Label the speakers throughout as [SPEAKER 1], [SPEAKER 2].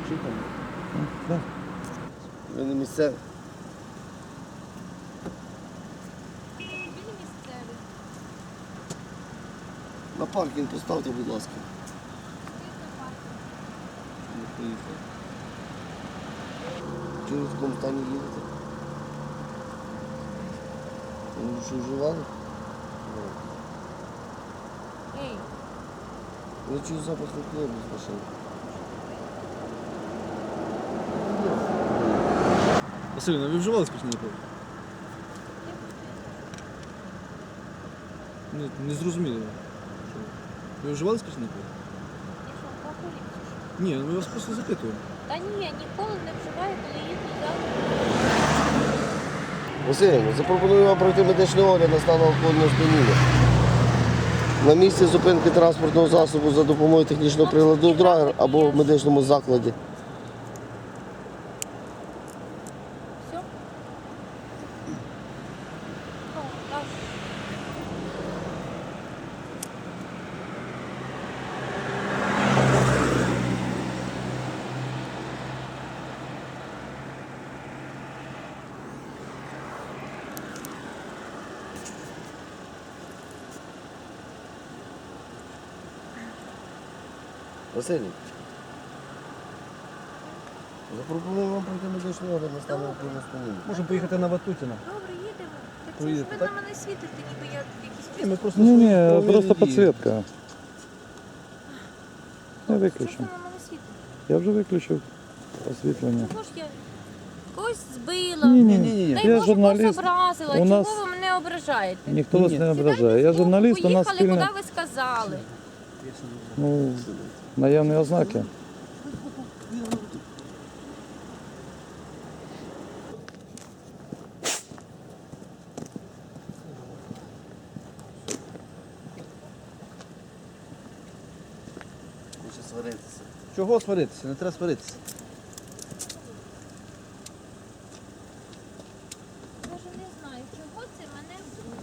[SPEAKER 1] Да.
[SPEAKER 2] Ви не місцеві? На паркінг поставте, будь ласка. Не поїхали. Чого ви в такому стані їдете? Ви що, вживали?
[SPEAKER 3] Ей,
[SPEAKER 2] Я чую запах алкоголю з машини.
[SPEAKER 1] Василіна, ви вживали спиртні напої? Не зрозуміло. Ви вживали спиртні напої?
[SPEAKER 3] я що, алкоголік чи що?
[SPEAKER 1] Ні, ми вас просто запитуємо.
[SPEAKER 3] Та ні, я ніколи не вживаю, коли їду за.
[SPEAKER 2] Василь, запропоную вам пройти медичний огляд на стан алкогольного сп'яніння. На місці зупинки транспортного засобу за допомогою технічного приладу драгер або в медичному закладі.
[SPEAKER 3] Все? Ну, так.
[SPEAKER 2] Василь, запропоную вам пройти медичний огляд на стан алкогольного сп'яніння.
[SPEAKER 1] Можемо поїхати на Ватутіна.
[SPEAKER 3] Добре, їдемо. Так це ж
[SPEAKER 1] Проїдете,
[SPEAKER 3] ви
[SPEAKER 1] так?
[SPEAKER 3] на мене світите, ніби я якісь
[SPEAKER 1] Ні, ми просто
[SPEAKER 4] Не,
[SPEAKER 1] провірили
[SPEAKER 4] просто
[SPEAKER 1] дії.
[SPEAKER 4] подсветка. Я
[SPEAKER 3] Чого ви
[SPEAKER 4] виключу.
[SPEAKER 3] на мене світите?
[SPEAKER 4] Я вже виключив освітлення.
[SPEAKER 3] Чого ж я когось збила?
[SPEAKER 1] Ні.
[SPEAKER 3] Дай
[SPEAKER 4] Я
[SPEAKER 3] Боже,
[SPEAKER 4] журналіст.
[SPEAKER 3] когось образила.
[SPEAKER 4] У
[SPEAKER 3] Чого
[SPEAKER 4] нас
[SPEAKER 3] ви мене ображаєте?
[SPEAKER 4] ніхто вас
[SPEAKER 1] Ні.
[SPEAKER 4] не ображає. Я журналіст, у нас
[SPEAKER 3] Поїхали,
[SPEAKER 4] спільне,
[SPEAKER 3] куди ви сказали?
[SPEAKER 4] ну, наявні ознаки.
[SPEAKER 2] Хоче сваритися.
[SPEAKER 1] Чого сваритися? Не треба сваритися.
[SPEAKER 3] Я ж не знаю, чого це мене збило.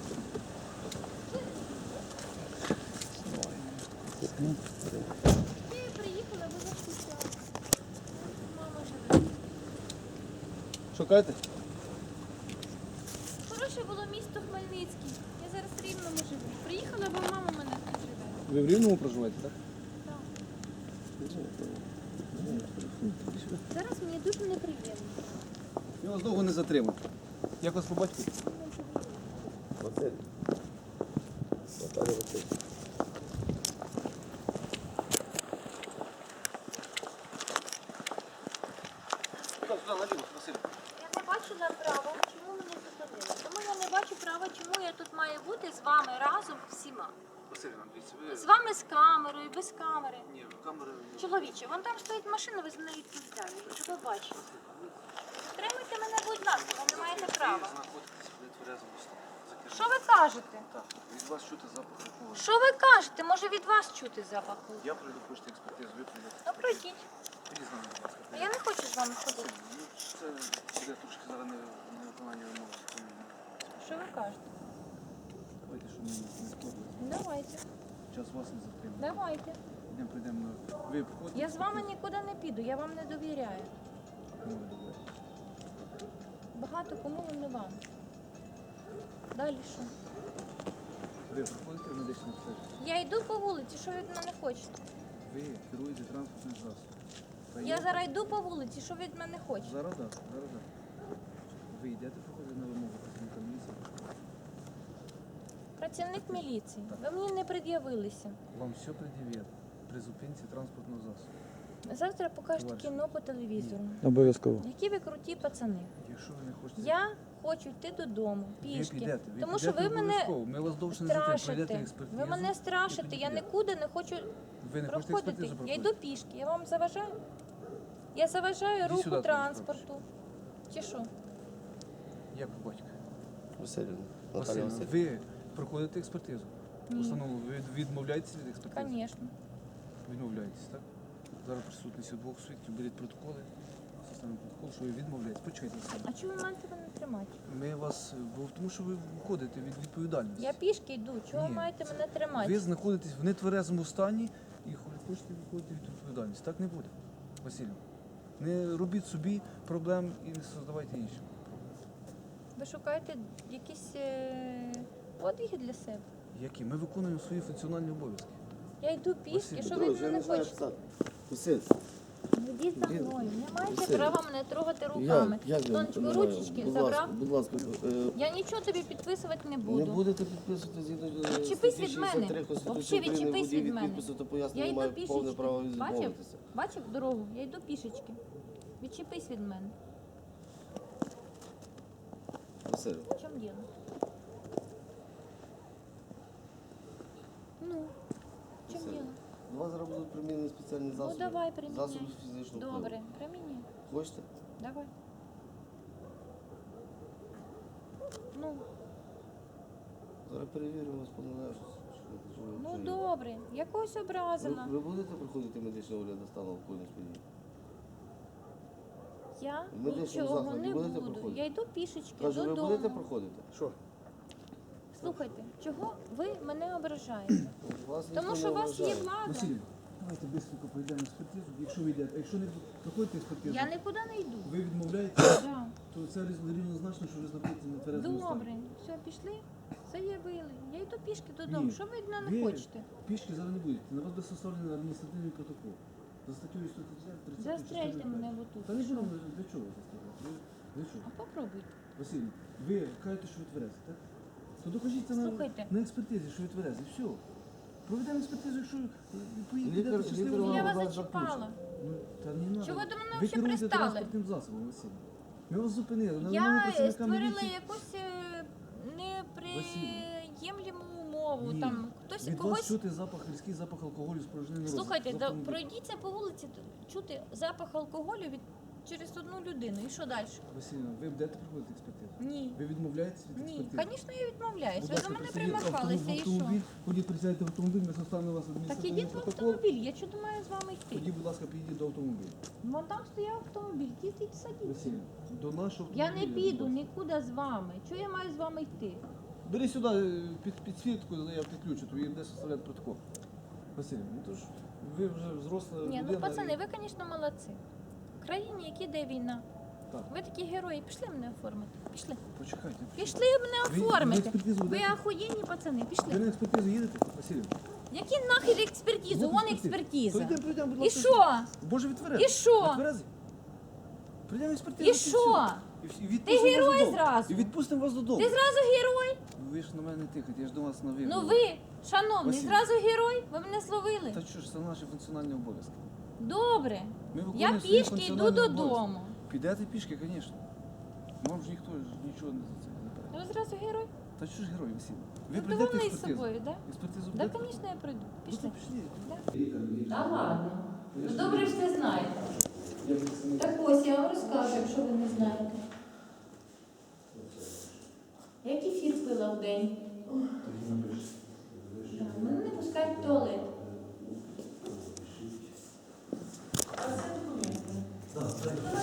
[SPEAKER 3] Я приїхала, ви заскучали. Мама живе.
[SPEAKER 1] Шукайте?
[SPEAKER 3] Хороше було місто Хмельницький. Я зараз в Рівному живу. Приїхала, бо мама в мене тут живе.
[SPEAKER 1] Ви в Рівному проживаєте, так?
[SPEAKER 3] Так. Зараз мені дуже неприємно.
[SPEAKER 1] Я вас довго не затримую. Як вас по батьку?
[SPEAKER 2] Василь. Наталя Василь.
[SPEAKER 3] Я не бачу направо, чому мене зупинили. Тому я не бачу права, чому я тут маю бути з вами разом всіма.
[SPEAKER 1] Василіна, дивіться, ви...
[SPEAKER 3] З вами з камерою, без камери.
[SPEAKER 1] Ні, камери...
[SPEAKER 3] Чоловіче, вон там стоїть машина, ви за нею відповідаєте. Що ви бачите? Тримайте мене, будь ласка, ви не маєте права.
[SPEAKER 1] знаходитесь в нетверезому стані.
[SPEAKER 3] Що ви кажете?
[SPEAKER 1] Так, від вас чути запах алкоголю.
[SPEAKER 3] Що ви кажете? Може від вас чути запах?
[SPEAKER 1] Я прийду, хочете експертизу, ви прийдете.
[SPEAKER 3] Ну пройдіть.
[SPEAKER 1] Ідіть з нами, будь ласка.
[SPEAKER 3] Я не хочу з вами ходити.
[SPEAKER 1] Ну, це буде трошки зараз не виконання вимоги.
[SPEAKER 3] Що ви кажете?
[SPEAKER 1] Давайте, щоб ми не спробували.
[SPEAKER 3] Давайте.
[SPEAKER 1] Час вас не затримує.
[SPEAKER 3] Давайте.
[SPEAKER 1] Прийдемо на... Ви входите?
[SPEAKER 3] Я з вами нікуди не піду, я вам не довіряю.
[SPEAKER 1] Ну, ви добре.
[SPEAKER 3] Багато кому, але не вам. Далі що?
[SPEAKER 1] Ви проходите в медичне обстеження?
[SPEAKER 3] Я йду по вулиці, що ви від мене хочете?
[SPEAKER 1] Ви керуєте транспортним засобом. Та
[SPEAKER 3] Я зараз йду по вулиці, що ви від мене хочете?
[SPEAKER 1] Зараз так, зараз так. Ви йдете проходити на вимогу працівника міліції?
[SPEAKER 3] Працівник міліції, ви мені не пред'явилися.
[SPEAKER 1] Вам все пред'являть при зупинці транспортного засобу.
[SPEAKER 3] Завтра покажете
[SPEAKER 1] Товариш.
[SPEAKER 3] кіно по телевізору.
[SPEAKER 4] Обов'язково.
[SPEAKER 3] Які ви круті пацани.
[SPEAKER 1] Якщо ви не хочете...
[SPEAKER 3] Я хочу йти додому,
[SPEAKER 1] ви
[SPEAKER 3] пішки.
[SPEAKER 1] підете,
[SPEAKER 3] Тому що ви мене
[SPEAKER 1] обов'язково. Ми вас довше не затримуємо. Пройдете
[SPEAKER 3] страшите.
[SPEAKER 1] експертизу.
[SPEAKER 3] Ви мене страшите, я нікуди не хочу
[SPEAKER 1] Ви не хочете
[SPEAKER 3] проходити.
[SPEAKER 1] експертизу
[SPEAKER 3] Я
[SPEAKER 1] проходити?
[SPEAKER 3] йду пішки, я вам заважаю? Я заважаю
[SPEAKER 1] Іди
[SPEAKER 3] руху
[SPEAKER 1] сюди,
[SPEAKER 3] транспорту. Чи що?
[SPEAKER 1] Як ви батько?
[SPEAKER 2] Василь. Наталя
[SPEAKER 1] Василь,
[SPEAKER 2] Василь.
[SPEAKER 1] ви проходите експертизу?
[SPEAKER 3] Ні.
[SPEAKER 1] Установу, ви відмовляєтеся від експертизи?
[SPEAKER 3] Звісно.
[SPEAKER 1] Відмовляєтесь, так? Зараз присутність двох свідків, беріть протоколи, составимо протокол, що ви відмовляєтесь. Почекайте на себе.
[SPEAKER 3] А чому ви маєте мене тримати?
[SPEAKER 1] Ми вас, бо тому що ви виходите від відповідальності.
[SPEAKER 3] Я пішки йду, чого ви
[SPEAKER 1] Ні,
[SPEAKER 3] маєте
[SPEAKER 1] це-
[SPEAKER 3] мене тримати?
[SPEAKER 1] Ви знаходитесь в нетверезому стані і хочете виходити від відповідальності. Так не буде. Василю, не робіть собі проблем і не создавайте іншим.
[SPEAKER 3] Ви шукаєте якісь подвиги для себе?
[SPEAKER 1] Які? Ми виконуємо свої функціональні обов'язки.
[SPEAKER 3] Я йду пішки,
[SPEAKER 1] Василь,
[SPEAKER 3] що ви від мене хочете?
[SPEAKER 2] Василь,
[SPEAKER 3] Йдіть за мною. Не маєте
[SPEAKER 2] Василь.
[SPEAKER 3] права мене трогати руками. Тонечко, ручечки забрав.
[SPEAKER 2] Будь ласка,
[SPEAKER 3] Я нічого тобі підписувати не
[SPEAKER 2] не
[SPEAKER 3] буду.
[SPEAKER 2] будете підписувати згідно
[SPEAKER 3] Відчепись від мене.
[SPEAKER 2] 63 Конституції
[SPEAKER 3] Взагалі
[SPEAKER 2] України,
[SPEAKER 3] відчепись
[SPEAKER 2] водій
[SPEAKER 3] від
[SPEAKER 2] від
[SPEAKER 3] мене.
[SPEAKER 2] підпису та
[SPEAKER 3] Я
[SPEAKER 2] пояснення
[SPEAKER 3] йду
[SPEAKER 2] має повне
[SPEAKER 3] пішечки.
[SPEAKER 2] право
[SPEAKER 3] Бачив?
[SPEAKER 2] відмовитися.
[SPEAKER 3] Бачив дорогу? Я йду пішечки. Відчепись від мене.
[SPEAKER 2] Василь,
[SPEAKER 3] В чому діло? Ну, в чому
[SPEAKER 2] Василь,
[SPEAKER 3] діло?
[SPEAKER 2] до вас зараз будуть примінені спеціальні засоби.
[SPEAKER 3] Ну давай приміняй.
[SPEAKER 2] Засоби фізичного впливу.
[SPEAKER 3] Добре, приміняй.
[SPEAKER 2] Хочете?
[SPEAKER 3] Давай. Ну,
[SPEAKER 2] Зараз перевіримо вас по належності.
[SPEAKER 3] ну добре. Я когось образила.
[SPEAKER 2] Ви будете проходити медичний огляд на стану алкогольного сп'яніння?
[SPEAKER 3] Я
[SPEAKER 2] в медичному
[SPEAKER 3] нічого
[SPEAKER 2] закладі
[SPEAKER 3] не
[SPEAKER 2] будете
[SPEAKER 3] буду.
[SPEAKER 2] проходити?
[SPEAKER 3] Я йду пішечки
[SPEAKER 2] Кажу, ви будете
[SPEAKER 3] додому.
[SPEAKER 2] проходити?
[SPEAKER 1] Що?
[SPEAKER 3] Слухайте, чого ви мене ображаєте?
[SPEAKER 2] Вас ніхто
[SPEAKER 3] Тому
[SPEAKER 2] не
[SPEAKER 3] що у вас є
[SPEAKER 2] ображає.
[SPEAKER 3] влада.
[SPEAKER 1] Василь, давайте швидко пройдемо експертизу. Якщо ви йдете, а якщо не проходите експертизу,
[SPEAKER 3] Я нікуди не йду.
[SPEAKER 1] ви відмовляєте,
[SPEAKER 3] Да.
[SPEAKER 1] то це рівнозначно, що ви знаходитеся на тверезому стані.
[SPEAKER 3] Добре, все, пішли, заявили. Я йду пішки додому.
[SPEAKER 1] Ні.
[SPEAKER 3] Що ви від мене
[SPEAKER 1] Ви
[SPEAKER 3] хочете?
[SPEAKER 1] Пішки зараз не будете. На вас буде составлений адміністративний протокол. За статтею 130.
[SPEAKER 3] Застрельте мене отут.
[SPEAKER 1] Та не будемо, для чого застріляти? Для чого?
[SPEAKER 3] А попробуйте.
[SPEAKER 1] Василь, ви кажете, що ви тверезі, так? То докажіть це
[SPEAKER 3] Слухайте.
[SPEAKER 1] на експертизі, що ви тверезі. Все. Проведемо експертизу, якщо поїдете
[SPEAKER 2] Лікар-
[SPEAKER 1] щасливо.
[SPEAKER 2] лікар
[SPEAKER 3] Я
[SPEAKER 2] вам
[SPEAKER 3] вас
[SPEAKER 2] вас
[SPEAKER 3] зачіпала.
[SPEAKER 1] Ну, та не надо.
[SPEAKER 3] Чого ви до мене
[SPEAKER 1] Ви
[SPEAKER 3] взагалі
[SPEAKER 1] керуєте
[SPEAKER 3] пристали?
[SPEAKER 1] транспортним засобом, Василь. Ми вас зупинили. на вимогу
[SPEAKER 3] Я
[SPEAKER 1] працівника
[SPEAKER 3] створила
[SPEAKER 1] міліції.
[SPEAKER 3] якусь неприємлему умову.
[SPEAKER 1] Ні.
[SPEAKER 3] Там хтось
[SPEAKER 1] Від вас
[SPEAKER 3] когось.
[SPEAKER 1] чути запах, різкий запах алкоголю з порожнини рота.
[SPEAKER 3] Слухайте,
[SPEAKER 1] З
[SPEAKER 3] да,
[SPEAKER 1] автомобіля.
[SPEAKER 3] пройдіться по вулиці, чути запах алкоголю через одну людину. І що далі?
[SPEAKER 1] Василіна, ви будете проходити експертизу?
[SPEAKER 3] Ні.
[SPEAKER 1] Ви відмовляєтесь від
[SPEAKER 3] Ні,
[SPEAKER 1] експертизи?
[SPEAKER 3] звісно, я відмовляюсь.
[SPEAKER 1] Будь
[SPEAKER 3] Ви
[SPEAKER 1] ласка,
[SPEAKER 3] до мене
[SPEAKER 1] присядьте в
[SPEAKER 3] примахалися і що?
[SPEAKER 1] автомобіль. Ходіть, присядьте в автомобіль, ми составимо вас
[SPEAKER 3] Так
[SPEAKER 1] адміністративний
[SPEAKER 3] ідіть в
[SPEAKER 1] протокол.
[SPEAKER 3] автомобіль, я чого маю з вами йти?
[SPEAKER 1] Тоді, будь ласка, підійдіть до автомобіля.
[SPEAKER 3] Вон там стояв автомобіль, їздіть садіться.
[SPEAKER 1] Василь, до нашого
[SPEAKER 3] Я
[SPEAKER 1] автомобіля.
[SPEAKER 3] не піду
[SPEAKER 1] будь ласка.
[SPEAKER 3] нікуди з вами. Чого я маю з вами йти?
[SPEAKER 1] Бери сюди під свідку, я підключу, тобі буде составляти протокол. Василь, ну то ж ви вже взросла
[SPEAKER 3] Ні,
[SPEAKER 1] людина.
[SPEAKER 3] ну пацани, ви, звісно, молодці. В країні, які де війна.
[SPEAKER 1] Так.
[SPEAKER 3] Ви такі герої, пішли мене оформити. Пішли.
[SPEAKER 1] Почекайте.
[SPEAKER 3] Пішли мене
[SPEAKER 1] Ви на
[SPEAKER 3] оформити.
[SPEAKER 1] експертизу
[SPEAKER 3] Ви
[SPEAKER 1] будете?
[SPEAKER 3] охуєнні пацани,
[SPEAKER 1] Ви
[SPEAKER 3] пішли.
[SPEAKER 1] на експертизу їдете, Василь?
[SPEAKER 3] Які нахер експертизу? Вон експертиза.
[SPEAKER 1] Прийдемо, будь
[SPEAKER 3] І
[SPEAKER 1] ласка.
[SPEAKER 3] що?
[SPEAKER 1] Боже, відтверезі.
[SPEAKER 3] І що?
[SPEAKER 1] Відтверезі. Прийдемо експертизу.
[SPEAKER 3] І що?
[SPEAKER 1] І відпустимо
[SPEAKER 3] Ти
[SPEAKER 1] вас
[SPEAKER 3] герой
[SPEAKER 1] додому.
[SPEAKER 3] зразу.
[SPEAKER 1] І відпустимо вас додому.
[SPEAKER 3] Ти зразу герой?
[SPEAKER 1] Ви ж на мене не тихайте, я ж до вас на ви.
[SPEAKER 3] Ну
[SPEAKER 1] говорю.
[SPEAKER 3] ви, шановний,
[SPEAKER 1] Василь.
[SPEAKER 3] зразу герой? Ви мене словили?
[SPEAKER 1] Та що ж, це наші функціональні обов'язки.
[SPEAKER 3] Добре.
[SPEAKER 1] Ми
[SPEAKER 3] Я
[SPEAKER 1] виконуємо свої
[SPEAKER 3] пішки йду
[SPEAKER 1] функціональні
[SPEAKER 3] додому.
[SPEAKER 1] обов'язки. Підете пішки, звісно. Вам ж ніхто ж нічого не за це не бере.
[SPEAKER 3] Ви зразу герой?
[SPEAKER 1] Та що ж герой, Василь? Ви
[SPEAKER 3] Ну,
[SPEAKER 1] прийдете
[SPEAKER 3] довольний
[SPEAKER 1] експертизу?
[SPEAKER 3] собою, так?
[SPEAKER 1] Експертизу
[SPEAKER 3] Да,
[SPEAKER 1] будете?
[SPEAKER 3] звісно, я прийду.
[SPEAKER 1] Ну,
[SPEAKER 3] Пішли.
[SPEAKER 1] то пішли.
[SPEAKER 3] Та ладно. Ви добре все знаєте. Так ось я вам розкажу, якщо ви не знаєте. Я кефір пила в день. Да, мене не пускають в туалет. А це документи.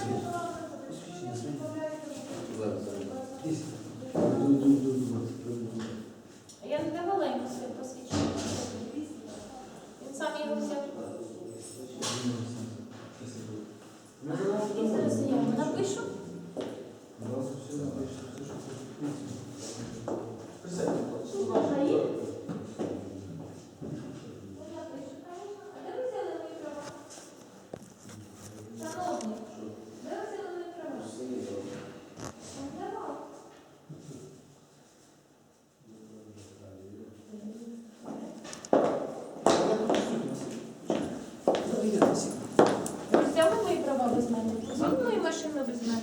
[SPEAKER 3] Я не давала йому своє посвідчення. Він сам його взяв. Я зараз заяву напишу. Можна є? А де ви взяли мої права? Шановний, де ви взяли мої права? Не давав. Ви взяли мої права без мене? Взяли мою машину без мене?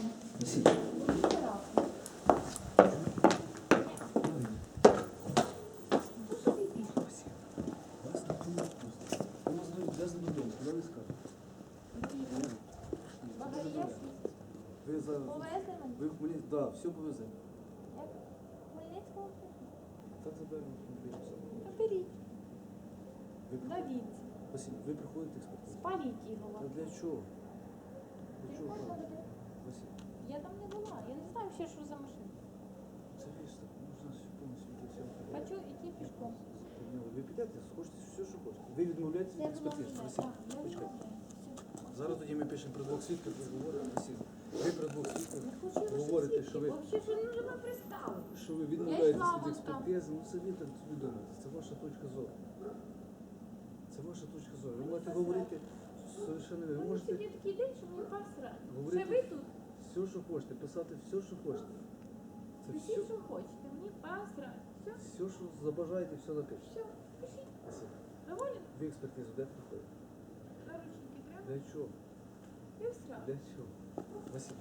[SPEAKER 1] Ви за...
[SPEAKER 3] Повезли мене?
[SPEAKER 1] Ви в Хмельницькому? Да, все повеземо.
[SPEAKER 3] Як? Хмельницького?
[SPEAKER 1] Так заберемо автомобіль.
[SPEAKER 3] Та беріть.
[SPEAKER 1] Ви,
[SPEAKER 3] Давіть.
[SPEAKER 1] Василь, ви приходите експертизу?
[SPEAKER 3] Спаліть його.
[SPEAKER 1] А для чого? Для чого?
[SPEAKER 3] Можна
[SPEAKER 1] правда?
[SPEAKER 3] буде?
[SPEAKER 1] Василь,
[SPEAKER 3] Я там не була. Я не знаю ще, що за машина.
[SPEAKER 1] це віж так, можна все повністю для цього.
[SPEAKER 3] Хочу йти пішком.
[SPEAKER 1] Ви підете, хочете все, що хочете. Ви відмовляєтеся від
[SPEAKER 3] Я
[SPEAKER 1] експертизи.
[SPEAKER 3] відмовляю.
[SPEAKER 1] Василь,
[SPEAKER 3] Так, я
[SPEAKER 1] почекайте.
[SPEAKER 3] відмовляю. Все.
[SPEAKER 1] Зараз тоді ми пишемо про двох свідків, ви говорите Василь. Ви про двох свідків говорите, що ви,
[SPEAKER 3] Взагалі, що не мене пристали.
[SPEAKER 1] що ви відмовляєтесь
[SPEAKER 3] йшла
[SPEAKER 1] від
[SPEAKER 3] вон
[SPEAKER 1] експертизи. Ну самі так собі думаєте. Це ваша точка зору. Це ваша точка зору. Ви можете говорити совершенно ви
[SPEAKER 3] Вони
[SPEAKER 1] можете
[SPEAKER 3] сьогодні такий день, що мені посрати.
[SPEAKER 1] Говорити.
[SPEAKER 3] Це ви тут?
[SPEAKER 1] все, що хочете, писати все, що хочете. Це
[SPEAKER 3] Пишіть,
[SPEAKER 1] все,
[SPEAKER 3] що хочете, мені посрати. Все,
[SPEAKER 1] все, що забажаєте, все напишете.
[SPEAKER 3] все, пишіть.
[SPEAKER 1] Василь,
[SPEAKER 3] Доволі?
[SPEAKER 1] ви експертизу де проходите?
[SPEAKER 3] Наручники треба?
[SPEAKER 1] Для чого?
[SPEAKER 3] І все.
[SPEAKER 1] Для чого? Василь.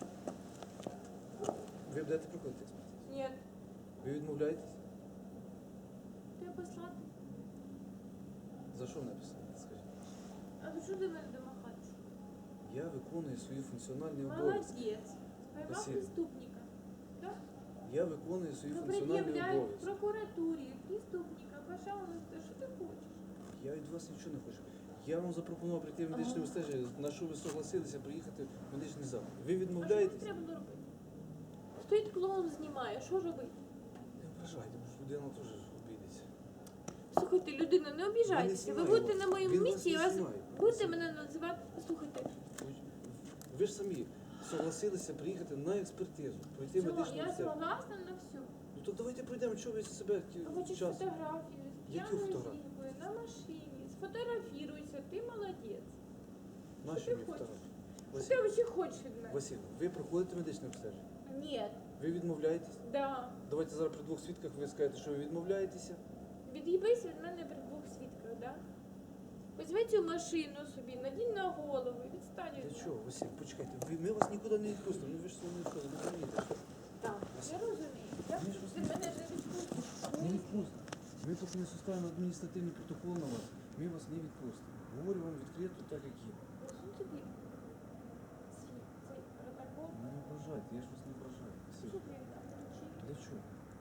[SPEAKER 1] Ви будете проходити експертизу?
[SPEAKER 3] Ні.
[SPEAKER 1] Ви відмовляєтесь?
[SPEAKER 3] Треба послати.
[SPEAKER 1] За що написано? Скажіть.
[SPEAKER 3] А ви що до мене домахатися?
[SPEAKER 1] Я виконую свої функціональні обов'язки.
[SPEAKER 3] Молодець. Поймав
[SPEAKER 1] Василь.
[SPEAKER 3] преступника. Так?
[SPEAKER 1] Я виконую свої
[SPEAKER 3] Ну,
[SPEAKER 1] функціональні
[SPEAKER 3] пред'являй в
[SPEAKER 1] обов'язки.
[SPEAKER 3] прокуратурі преступника. Пожалуйста, що ти хочеш?
[SPEAKER 1] Я від вас нічого не хочу. Я вам запропонував прийти в медичне обстеження, на що ви согласилися приїхати в медичний заклад. Ви
[SPEAKER 3] А що мені
[SPEAKER 1] відмовляєтесь?
[SPEAKER 3] треба було робити? Стоїть клоун знімає, що робити?
[SPEAKER 1] Не вважайте, бо ж людина теж обійдеться.
[SPEAKER 3] Слухайте, людина, не обіжайтеся. Ви
[SPEAKER 1] знімає
[SPEAKER 3] будете
[SPEAKER 1] вас.
[SPEAKER 3] на моєму
[SPEAKER 1] Він вас
[SPEAKER 3] місці і
[SPEAKER 1] не
[SPEAKER 3] вас
[SPEAKER 1] знімає.
[SPEAKER 3] будете мене називати. Слухайте,
[SPEAKER 1] Ви ж самі согласилися приїхати на експертизу, пройти
[SPEAKER 3] все,
[SPEAKER 1] медичну
[SPEAKER 3] я
[SPEAKER 1] обстеження.
[SPEAKER 3] согласна на все.
[SPEAKER 1] Ну то давайте пройдемо, чого ви себе
[SPEAKER 3] Хочеш
[SPEAKER 1] час.
[SPEAKER 3] фотографію з
[SPEAKER 1] Яку
[SPEAKER 3] п'яною
[SPEAKER 1] фотографію?
[SPEAKER 3] жінкою на машині. Сфотографіруйся, ти молодець.
[SPEAKER 1] Наші
[SPEAKER 3] ти
[SPEAKER 1] мені
[SPEAKER 3] хочеш?
[SPEAKER 1] фотографії.
[SPEAKER 3] Що
[SPEAKER 1] Василь,
[SPEAKER 3] ти взагалі хочеш від мене?
[SPEAKER 1] Василь, ви проходите медичне обстеження?
[SPEAKER 3] Ні,
[SPEAKER 1] Ви відмовляєтесь?
[SPEAKER 3] да.
[SPEAKER 1] Давайте зараз при двох свідках ви скажете, що ви відмовляєтеся.
[SPEAKER 3] Від'їбись від мене при двох свідках, да? Візьми цю машину собі, надінь на голову і відстань від
[SPEAKER 1] Для
[SPEAKER 3] мене.
[SPEAKER 1] чого, Василь? Почекайте, ми вас нікуди не відпустимо. Ну ви ж свого не відпустимо, ви розумієте, що
[SPEAKER 3] Так, я розумію. Я
[SPEAKER 1] Ми ж вас
[SPEAKER 3] ти мене не відпустиш.
[SPEAKER 1] не відпустимо. Ми поки не составимо адміністративний протокол на вас, ми вас не відпустимо. Говорю вам відкрито так, як є.
[SPEAKER 3] Засунь тобі цей протокол.
[SPEAKER 1] Не ображайте, я ж вас не ображаю. Василь,
[SPEAKER 3] Що тобі там ключі?
[SPEAKER 1] для чого?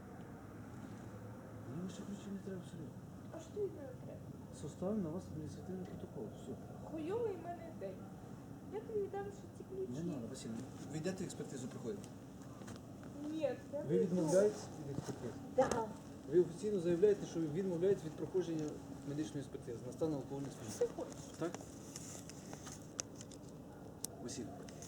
[SPEAKER 1] Мені ваші ключі не треба абсолютно.
[SPEAKER 3] А що від мене треба?
[SPEAKER 1] Составимо на вас адміністративний протокол. Все.
[SPEAKER 3] Хуйовий в мене день. Я тобі віддам ще ці ключі.
[SPEAKER 1] Не треба, Василь. Ви йдете експертизу проходите?
[SPEAKER 3] Ні, я
[SPEAKER 1] Ви відмовляєтесь від експертизи?
[SPEAKER 3] Да.
[SPEAKER 1] Ви офіційно заявляєте, що ви відмовляєтесь від проходження медичної експертизи на стан алкогольних сп'яніння.
[SPEAKER 3] Що хочеш?
[SPEAKER 1] Так? Василь.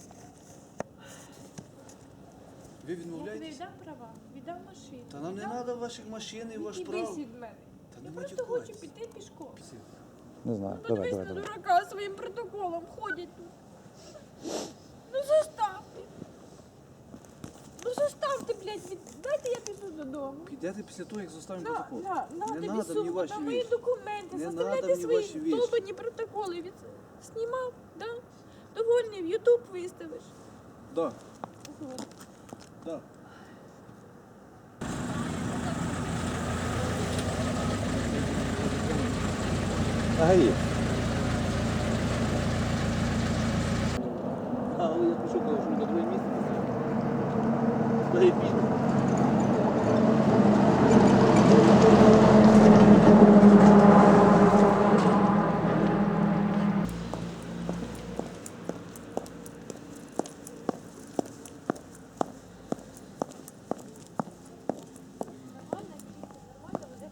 [SPEAKER 1] Ви
[SPEAKER 3] Я тобі
[SPEAKER 1] відмовляєтесь?
[SPEAKER 3] віддам права, віддам машину.
[SPEAKER 1] Та нам не
[SPEAKER 3] віддам-
[SPEAKER 1] треба ваших машин і ваш
[SPEAKER 3] Від'їбись
[SPEAKER 1] прав.
[SPEAKER 3] від мене.
[SPEAKER 1] Та
[SPEAKER 3] Я
[SPEAKER 1] не
[SPEAKER 3] просто
[SPEAKER 1] матюкайтесь.
[SPEAKER 3] хочу піти пішком.
[SPEAKER 1] Василь,
[SPEAKER 4] Не знаю.
[SPEAKER 3] Ну,
[SPEAKER 4] Давай,
[SPEAKER 3] подивись
[SPEAKER 4] давай,
[SPEAKER 3] на
[SPEAKER 4] давай.
[SPEAKER 3] дурака своїм протоколом, ходять тут. Ну заставте. Ну заставте, блядь, дайте я піду додому.
[SPEAKER 1] підете після того, як заставимо
[SPEAKER 3] На,
[SPEAKER 1] протокол.
[SPEAKER 3] на
[SPEAKER 1] Не
[SPEAKER 3] тобі
[SPEAKER 1] надо мені
[SPEAKER 3] сумку,
[SPEAKER 1] ваші
[SPEAKER 3] там мої
[SPEAKER 1] вещи.
[SPEAKER 3] документи,
[SPEAKER 1] Не
[SPEAKER 3] заставляйте
[SPEAKER 1] надо мені ваші
[SPEAKER 3] свої
[SPEAKER 1] вещи.
[SPEAKER 3] долбані протоколи. Знімав, да? Довольний, в Ютуб виставиш.
[SPEAKER 1] Да,
[SPEAKER 3] Вот.
[SPEAKER 1] да.
[SPEAKER 4] Гаї.
[SPEAKER 1] Але я пишу, коли що на друге місце. Стоїть пізно.
[SPEAKER 3] Нормально, нормально,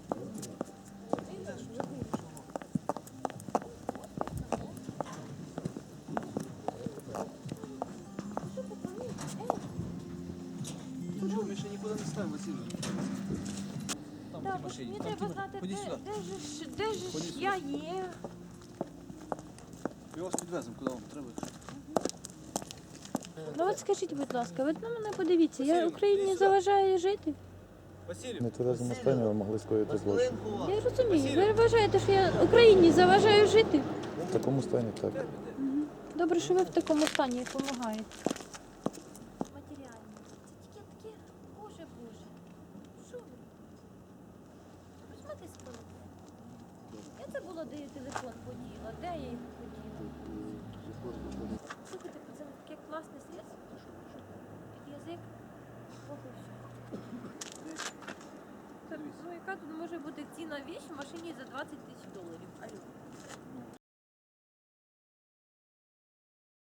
[SPEAKER 1] Чого, ми ще нікуди не ставимо, Василь. Там в
[SPEAKER 3] Так,
[SPEAKER 1] тій машині.
[SPEAKER 3] мені
[SPEAKER 1] Там
[SPEAKER 3] треба
[SPEAKER 1] ті-
[SPEAKER 3] знати,
[SPEAKER 1] Ходіть сюди.
[SPEAKER 3] де ж
[SPEAKER 1] Ходіть сюди.
[SPEAKER 3] я є.
[SPEAKER 1] Ми вас підвеземо, куди вам треба.
[SPEAKER 3] Ну от скажіть, будь ласка, ви на мене подивіться, я
[SPEAKER 1] Василю,
[SPEAKER 3] Україні
[SPEAKER 1] іди сюди.
[SPEAKER 3] заважаю жити.
[SPEAKER 1] Василь,
[SPEAKER 4] Не тверезому стані ви могли скоїти злочин.
[SPEAKER 3] Я розумію, ви вважаєте, що я Україні заважаю жити?
[SPEAKER 4] В такому стані так.
[SPEAKER 3] Добре, що ви в такому стані допомагаєте. Матеріально. Це тільки таке, боже. Що ви? Візьмете з телефон. Я це було, де я телефон поділа, де я його поділа. Слухайте, це таке класне средство. Під язик. Ох, і все. Ну яка тут може бути ціна віч в машині за $20 000? Алло.